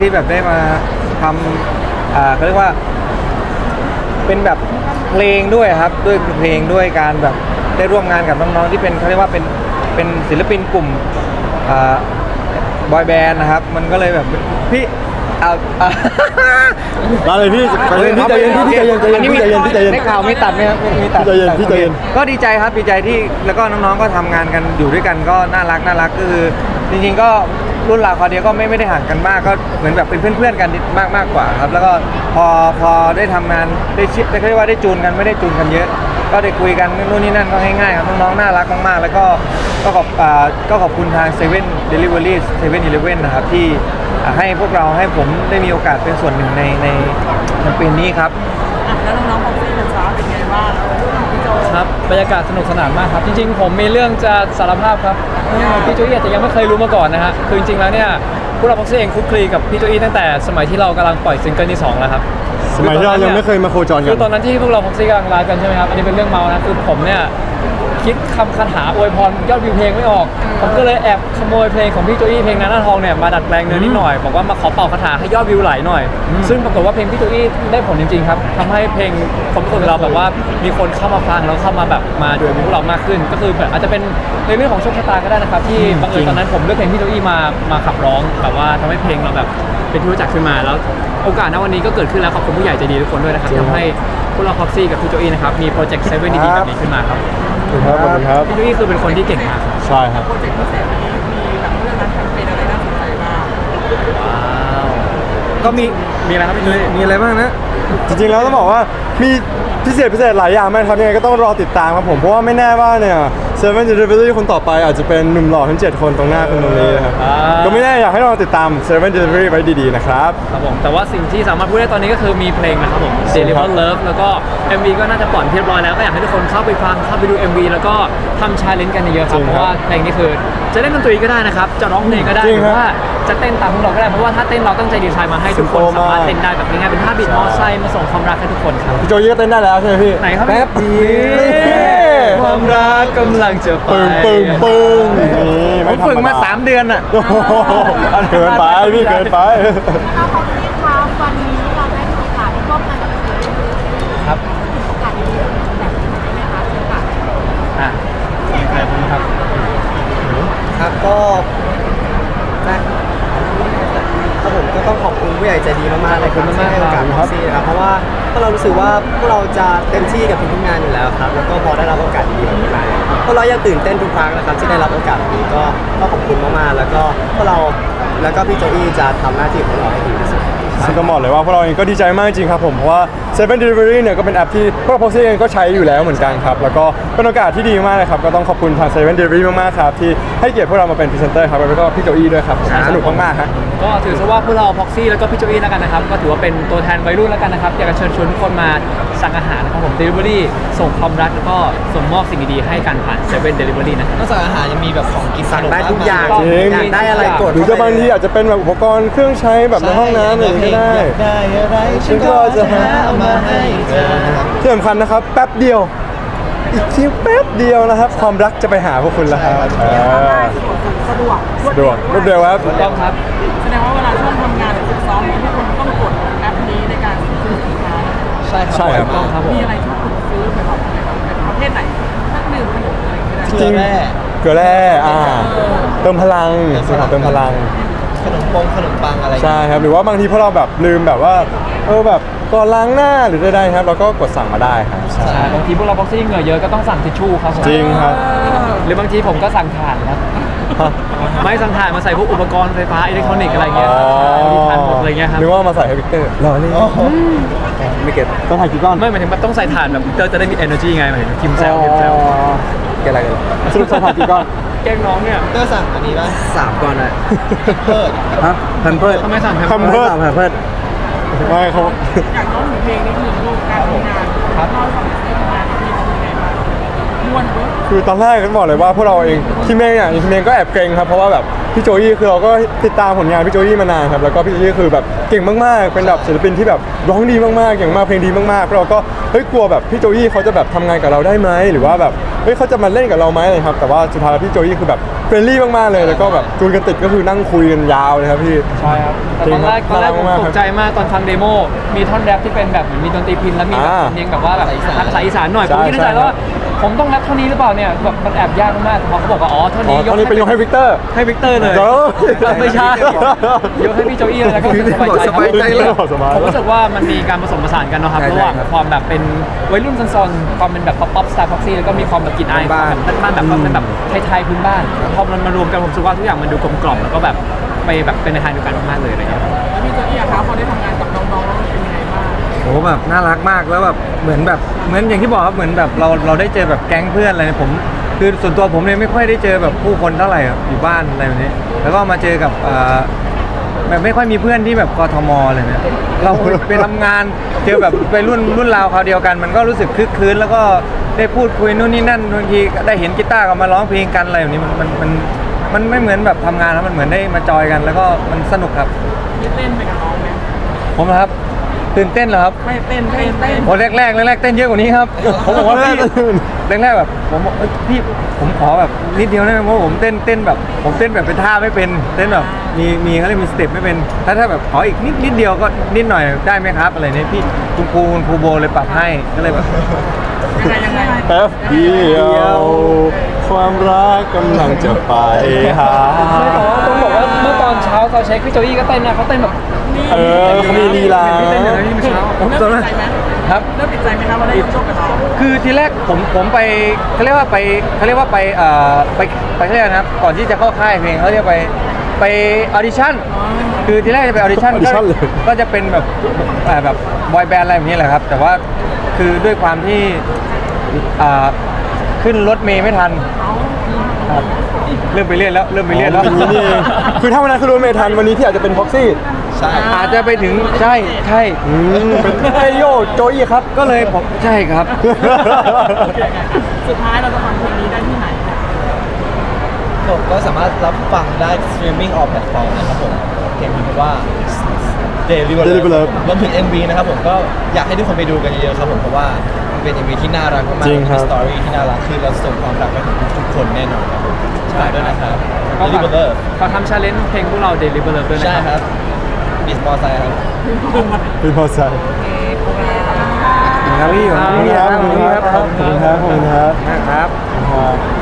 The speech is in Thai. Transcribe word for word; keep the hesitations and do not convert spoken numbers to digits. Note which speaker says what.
Speaker 1: ที่แบบได้มาทำอ่าเขาเรียกว่าเป็นแบบเพลงด้วยครับด้วยเพลงด้วยการแบบได้ร่วมงานกับน้องๆที่เป็นเขาเรียกว่าเป็นเป็นศิลปินกลุ่มอ่าบอยแบนด์นะครับมันก็เลยแบบพี่เอาเอา
Speaker 2: มาเลยพี่ใจเย็นพี่ใจเย็นพี่ใจเย็นใจเย็นพี่ใจเย็นพี่ใจเย็น
Speaker 1: ได้ข่าวไม่ตัดไหมครับไม่มีตัด
Speaker 2: พี่ใจเย็นพี่ใจเย็น
Speaker 1: ก็ดีใจครับดีใจที่แล้วก็น้องๆก็ทำงานกันอยู่ด้วยกันก็น่ารักน่ารักก็คือจริงๆก็รุ่นราวคราวเดียวก็ไม่ไม่ได้ห่างกันมากก็เหมือนแบบเป็นเพื่อนๆกันมากมากกว่าครับแล้วก็พอพอได้ทำงานได้ชิปได้เรียกว่าได้จูนกันไม่ได้จูนกันเยอะ ก็ได้คุยกันนู่นนี่นั่นก็ง่ายๆครับน้องๆน่ารักมากๆแล้วก็ก็ขอบอ่าก็ขอบคุณทางเซเว่นเดลิเวอรี่เซเว่นอีเลฟเว่นนะครับที่อ่าให้พวกเราให้ผมได้มีโอกาสเป็นส่วนหนึ่งในในแคมเปญนี้ครับ
Speaker 3: อ่ะแล้วน้องๆของพี่เป็นช้าเป็นไงบ้างแล้วพี่โจ
Speaker 4: ครับบรรยากาศสนุกสนานมากครับจริงๆผมมีเรื่องจะสารภาพครับพี่โจอี้อาจจะยังไม่เคยรู้มาก่อนนะฮะคือจริงๆแล้วเนี่ยพวกเราพ็อกซี่เองคลุกคลีกับพี่โจอี้ตั้งแต่สมัยที่เรากำลังปล่อยซิงเกิลที่สองแล้วครับ
Speaker 2: สมัยที่เรายังไม่เคยมาโคจรกั
Speaker 4: คือน ตอนนั้นที่พวกเราพ็อกซี่กำลังไลฟ์กันใช่ไหมครับอันนี้เป็นเรื่องเมานะคือผมเนี่ยคิดคำคาถาอวยพรยอดวิวเพลงไม่ออกผมก็เลยแอบขโมยเพลงของพี่โจอี้เพลงนั้นหน้าทองเนี่ยมาดัดแปลงเนื้อนิดหน่อยบอกว่ามาขอเป่าคาถาให้ยอดวิวไหลหน่อยซึ่งปรากฏว่าเพลงพี่โจอี้ได้ผลจริงๆครับทำให้เพลงของคนเราแบบว่ามีคนเข้ามาฟังแล้วเข้ามาแบบมาดูพวกเรามากขึ้น ก็คือแบบอาจจะเป็นในเรื่องของโชคชะตาก็ได้นะครับที่บังเอิญตอนนั้นผมเลือกเพลงพี่โจอี้มามาขับร้องแบบว่าทำให้เพลงเราแบบเป็นที่รู้จักขึ้นมาแล้วโอกาสณวันนี้ก็เกิดขึ้นแล้วขอบคุณผู้ใหญ่ใจดีทุกคนด้วยนะครับทำให้พวกเราพ็อกซี่กับพี่โจอี้นะครับมีโปรเจกต์เซเว่นดีๆแบบนี้ขึ้นมาครับ
Speaker 2: ครับขอบคุณครับ
Speaker 4: พี่โจอี้คือเป็นคนที่เก่งมากครับ
Speaker 2: ใช่ครับ
Speaker 3: โปรเจกต์พิเศษนี้มีแบบเรื่องนั้นแคมเปญอะไรน่าสนใจบ้าง
Speaker 4: ว้าว
Speaker 1: ก็มี
Speaker 4: มีอะไรครับพี่โจอี้
Speaker 1: มีอะไรบ้างนะ
Speaker 2: จริงๆแล้วต้องบอกว่ามีพิเศษพิเศษหลายอย่างมากครับยังไงก็ต้องรอติดตามครับผมเพราะว่าไม่แน่ว่าเนี่ยเซเว่นเดลิเวอรี่คนต่อไปอาจจะเป็นหนุ่มหล่อทั้งเจ็ดคนตรงหน้าคุณตรงนี้นะครับก็ไม่แน่อยากให้ลองติดตามเซเว่นเดลิเวอรี่ไว้ดีๆนะครับ
Speaker 4: ครับผมแต่ว่าสิ่งที่สามารถพูดได้ตอนนี้ก็คือมีเพลงนะครับผม Deliver Love แล้วก็ เอ็ม วี ก็น่าจะปล่อยเรียบร้อยแล้วก็อยากให้ทุกคนเข้าไปฟังเข้าไปดู เอ็ม วี แล้วก็ทำชาเลนจ์กันเยอะๆครับ
Speaker 2: จริง
Speaker 4: เพ
Speaker 2: ครับ
Speaker 4: ราะว่าเพลงนี้คือจะเล่นดนตรีก็ได้นะครับจะร้องเพลงก็ได้
Speaker 2: จริ
Speaker 4: ห
Speaker 2: ง
Speaker 4: รือ
Speaker 2: ครับ
Speaker 4: ว่าจะเต้นตามพวกเราก็ได้เพราะว่าถ้าเต้นเราตั้งใจดีไซน์มาให้ทุกคน
Speaker 2: Simple
Speaker 4: สามารถ
Speaker 2: มาก
Speaker 4: เต้นได้แบบง่ายๆเป็นท่าบิดมอไซค์มาส่งความรักให้ทุกคนครับ
Speaker 2: พี่โจยี่ก็เต้นได้แล้วใช่ไหมพี่
Speaker 4: ไหนครับ
Speaker 2: แป๊บเดียว
Speaker 4: ความรักกำลังจะไป
Speaker 2: ปึ้งปึ้งปึ้งนี่
Speaker 1: ผมฝึกมาสามเดือนอ่ะ
Speaker 2: โอ้โหเกินไปพี่เกินไป
Speaker 5: เราขอบคุณค่ะวันนี้เราได้มีโอกาสได้ร่วมงานกับเสือ
Speaker 4: ครับ
Speaker 5: โอกาสดีๆแบบนี้ไหมคะเสือค่ะ
Speaker 4: อ่ะมีใครพูดครับ
Speaker 6: ครับก็นะครับผมก็ต้องขอบคุณผู้ใหญ่ใจดีมากๆเลยครับที่ให้โอกาสพ็อกซี่นะครับเพราะว่าพวกเรารู้สึกว่าพวกเราจะเต็มที่กับทุกๆงานอยู่แล้วครับแล้วก็พอได้รับโอกาสดีๆแบบนี้มาพวกเรายังตื่นเต้นทุกครั้งนะครับที่ได้รับโอกาสแบบนี้ก็ก็ขอบคุณมากๆแล้วก็พวกเราแล้วก็พี่โจอี้จะทำหน้าที่ของเราให้ดีที่สุด
Speaker 2: ซึ่งก็บอกเลยว่าพวกเราเองก็ดีใจมากจริงครับผมเพราะว่าเซเว่นเดลิเวอรี่เนี่ยก็เป็นแอปที่พวกเราพ็อกซี่เองก็ใช้อยู่แล้วเหมือนกันครับแล้วก็เป็นโอกาสที่ดีมากเลยครับก็ต้องขอบคุณทางเซเว่นเดลิเวอรี่มากๆครับที่ให้เกียรติพวกเรามาเป็นพรีเซนเตอร์ครับแล้วก็พี่โจอี้ด้วยครับสนุกมากๆฮะ
Speaker 4: ก็ถือซะว่าพวกเราพ็อกซี่แล้วก็พี่โจอี้แล้วกันนะครับก็ถือว่าเป็นตัวแทนวัยรุ่นแล้วกันนะครับอยากจะเชิญชวนทุกคนมาสั่งอาหารนะครับผม Delivery ส่งความรักแล้วก็ส่งมอบสิ่งดีๆให้กันผ่านเซเว่นเดลิเวอรี่นะครับ
Speaker 6: นอกจากอาหารยังมีแบบของกินสั่งได้ทุกอย่าง
Speaker 2: จริง
Speaker 6: อยากได้อะไรกด
Speaker 2: หรือจะบางทีอาจจะเป็นแบบอุปกรณ์เครื่องใช้แบบในห้องน้ำอะไรอย่างเงี้ยก็ได้
Speaker 6: ได้อะไร
Speaker 2: ฉันก็จะหาเอามาให้เธอที่สำคัญนะครับแป๊บเดียว อีกทีแป๊บเดียวนะครับ ความรักจะไปหาพวกคุณแล้วครับอ่า
Speaker 3: สะดวก
Speaker 2: สะดวกรวดเร็วครับ
Speaker 4: ถูกต้องครับ
Speaker 3: แสดงว่าเวลาช่วงทำงานหรือฝึกซ้อมเนี่ยทุกคนต้องกดแอปนี้ในการซื้อสินค้า
Speaker 6: ใช่ครับ
Speaker 2: ใช่ครับ
Speaker 4: ต้องครับผม
Speaker 3: มีอะไรที่คุณซื้อเป็นแบบไหนแบบเป็นประเภทไหนนักดื่มขนมอะไรก็ได้
Speaker 2: จริงเกลือแร่อ่าเติมพลังสิครับเติมพลัง
Speaker 6: ขนมปงขนมปังอะไร
Speaker 2: ใช่ครับหรือว่าบางทีพวกเราแบบลืมแบบว่าเออแบบก่อนล้างหน้าหรือใดๆครับเราก็กดสั่งมาได้ครับใช่
Speaker 4: ใช่บางทีพวกเราบ็อกซี่เหงื่อเยอะก็ต้องสั่งทิชชู่ครับผม
Speaker 2: จริงครับ
Speaker 4: หรือบางทีผมก็สั่งถ่านครับ
Speaker 2: ฮะ
Speaker 4: ไม่สั่งถ่านมาใส่พวกอุปกรณ์ไฟฟ้าอิเล็กทรอนิกส์อะไรเงี้ยบางทีทานหมดอะไรเงี้ยครับ
Speaker 2: นึกว่ามาใส่ให้วิกเตอร์รอเลยไม่เก็ตต้องถ่ายกี่ก้อน
Speaker 4: ไม่หมายถึงมันต้องใส่ถ่านแบบเตอร์จะได้มี energy ไงหมายถึงทีมแซวทีมแซว
Speaker 2: เกอะไรกันสรุปใส่ถ่ายกี่ก้อน
Speaker 4: แกล้งน้องเนี่ย
Speaker 6: ก็สั่งอันนี้ป่ะ
Speaker 1: สามก่อนอ่ะ
Speaker 6: เพิร์ด
Speaker 1: ฮะแพมเพิร์ด
Speaker 4: ทำไมสั่งแพม
Speaker 2: ทำ
Speaker 4: เพิ
Speaker 2: เพิ่
Speaker 4: ร์
Speaker 2: ม
Speaker 1: สามแพมเพิร์ด
Speaker 2: ไม่เขา
Speaker 3: อยากน้องถึงเพลงนี้คือโลกการทำงานครับนอกจากที่ทำงานที่ทำยังไงบ้างม้วนเว้ย
Speaker 2: คือตอนแรกก็บอกเลยว่าพวกเราเองทีมเองอ่ะทีมเองก็แอบเกรงครับเพราะว่าแบบพี่โจยี่คือเราก็ติดตามผลงานพี่โจยี่มานานครับแล้วก็พี่โจยี่คือแบบเก่งมากๆเป็นแบบศิลปินที่แบบร้องดีมากๆเก่งมากเพลงดีมากๆเราก็เฮ้ยกลัวแบบพี่โจยี่เขาจะแบบทำงานกับเราได้ไหมหรือว่าแบบเฮ้ยเขาจะมาเล่นกับเราไหมอะไรครับแต่ว่าสุดท้ายแล้วพี่โจยี่คือแบบเฟรนลี่มากๆเลยแล้วก็แบบจูนกันติดก็คือนั่งคุยกันยาวเลยครับพี่
Speaker 4: ใช่ครับแต่ตอนแรกตอนแรกผมตกใจมากตอนฟังเดโมมีท่อนแรปที่เป็นแบบเหมือนมีดนตรีพินแล้วมีแบบ
Speaker 2: อ่า
Speaker 4: เพลงแบบว่าแบบภาษาอีสานหน่อย
Speaker 2: ใช่
Speaker 4: ผมคิดในใจ
Speaker 2: ใช่
Speaker 4: แล้วว่าผมต้องแรปเท่านี้หรือเปล่าเนี่ยแบบมันแอบยากมากแต่พอเขาบอกว่าอ๋อเท่า
Speaker 2: อ๋อ
Speaker 4: นี้
Speaker 2: ตอนนี้เป็นยกให้วิกเตอร์
Speaker 4: ให้วิกเตอร์เลย
Speaker 2: เออ
Speaker 4: ไม่ใช่ยกให้พี่โจอี้เลยแล้วก็รู้สึกสบายใจ
Speaker 1: สบายใจเลย
Speaker 2: สบาย
Speaker 4: ผมรู้สึกว่ามันมีการผสมผสานกันเนาะครับ
Speaker 1: ใช่
Speaker 4: ระหว่าง
Speaker 1: ใช่ครับ
Speaker 4: ความแบบเป็นวัยรุ่นซนๆความเป็นแบบป๊อปสไตล์พ็อกซี่แล้วก็มีความแบบกลิ่นอาย
Speaker 1: บ้าน
Speaker 4: แบบบ้านๆแบบความเป็นแบบไทยๆพื้นบ้านพอมันมารวมกันผมรู้สึกว่าทุกอย่างมันดูกลมกล่อมแล้วก็แบบไปแบบเป็นในทางเดียวกันมากๆเลยอะไรเงี้ย
Speaker 3: แล้วพี่โจอี้อะครับพอได้ทำงานกับน้องๆแล้วมันเป็นยังไงบ้าง
Speaker 1: โอ้แบบน่ารักมากแล้วแบบเหมือนแบบเหมือนอย่างที่บอกครับเหมือนแบบเราเราได้เจอแบบแก๊งเพื่อนอะไรเนี่ยผมคือส่วนตัวผมเนี่ยไม่ค่อยได้เจอแบบผู้คนเท่าไหร่ครับอยู่บ้านอะไรแบบนี้ แล้วก็มาเจอกับเอ่อแบบไม่ค่อยมีเพื่อนที่แบบกทมอะไรเนี่ยเราไปทำงานเจอแบบไปรุ่นรุ่นราวคราวเดียวกัน มันก็รู้สึกคึกคืนแล้วก็ได้พูดคุยนู่นนี่นั่นบางทีก็ได้เห็นกีตาร์ก็มาร้องเพลงกันอะไรแบบนี้มันมันมันมันไม่เหมือนแบบทำงานแล้วมันเหมือนได้มาจอยกัน แล้วก็มันสนุกครับ
Speaker 3: พี่เต้นไปกับน้องไหม
Speaker 1: ผมนะครับตื่นเต้นเหรอครับ
Speaker 3: ไม่เต้นเต้นเต้น
Speaker 1: โอ้แรกแรกๆแรกๆเต้นเยอะกว่านี้ครับ ผมบอกว่าพี่แรกๆแบบผมบอกเอ้ยพี่ผมขอแบบนิดเดียวได้ไหมเพราะผมเต้นเต้นแบบผมเต้นแบบเป็นท่าไม่เป็นเต้นแบบมีมีเขาเรียกมีสเต็ปไม่เป็นถ้าถ้าแบบขออีกนิดนิดเดียวก็นิดหน่อยได้ไหมครับอะไรเนี่ยพี่คุณครูคุณครูโบเลยปรับให้ก็เลยแบบ
Speaker 3: ยังไงยังไง
Speaker 2: แป๊บเดียวความรักกำลังจะไปหา
Speaker 4: ไม่แต่ว่าต้องบอกว่าเมื่อตอนเช้าตอนเช็คพี่โจอี้ก็เต้นนะเขาเต้นแบบ
Speaker 2: เออเขามีลีลา
Speaker 4: พี่เต้นอย่างนั้นที่เมื่อเช้า
Speaker 1: ผม
Speaker 3: เริ่
Speaker 1: ตอน
Speaker 3: มติ
Speaker 1: นั้
Speaker 3: ด
Speaker 1: น
Speaker 3: ใจไหม
Speaker 1: ครับ
Speaker 3: เริ่มติดใจไหมครับว่าได้ร่วมกับน้อง
Speaker 1: คือทีแรกผมผมไปเขาเรียกว่าไปเขาเรียกว่าไปเอ่อไปไปเขาเรียกอะไรนะครับก่อนที่จะเข้าค่ายเพลงเขาเรียกไปไปออดิชั่นคือทีแรกจะไปออดิชั่น
Speaker 2: audition เลย
Speaker 1: ก็จะเป็นแบบเอ่อแบบบอยแบนด์อะไรแบบนี้แหละครับ แต่ว่าคือด้วยความที่อ่าขึ้นรถเมย์ไม่ทันครับเริ่มไปเรื่อยแล้วเริ่มไปเรื่อยแล้ว
Speaker 2: อย่างนี้นี่เองคือถ้าวันนั้นคือรถเมทันวันนี้ที่อาจจะเป็นพ็อกซี่
Speaker 1: ใช่อาจจะไปถึงใช่ใช่
Speaker 2: อืมเป็นไอโยโจอี้ครับ
Speaker 1: ก็เลยผมใช่ครับ
Speaker 3: สุดท้ายเราจะฟังเพลงนี้ได้ที่ไหน
Speaker 7: ผมก็สามารถรับฟังได้ streaming all platform นะครับผมเพลงนี้ว่า Daily
Speaker 2: Daily
Speaker 7: Love
Speaker 2: Love
Speaker 7: รวมถึง เอ็ม วี นะครับผมก็อยากให้ทุกคนไปดูกันเยอะๆครับผมเพราะว่ามันเป็น เอ็ม วี ที่น่ารักมากๆ
Speaker 2: จริงครับ
Speaker 7: เป็นสตอรี่ที่น่ารักคือเราส่งความรักไปถึงทุกๆคนแน่นอนครับผมฝากด้วยนะครับ
Speaker 4: ก็
Speaker 7: Daily
Speaker 4: ฝาก
Speaker 7: Love
Speaker 4: ฝากทำชาเลนจ์เพลงพวกเรา Daily Love ด้วยนะ
Speaker 7: ใช่
Speaker 4: ค
Speaker 7: ครับ รับดิสมอไซค์ครับ
Speaker 2: เป็นพอใจ
Speaker 1: ครับพี่
Speaker 2: ขอบคุณครับขอบคุณครับขอบคุณครับขอบคุณครับ
Speaker 1: นะครับ
Speaker 2: ครับ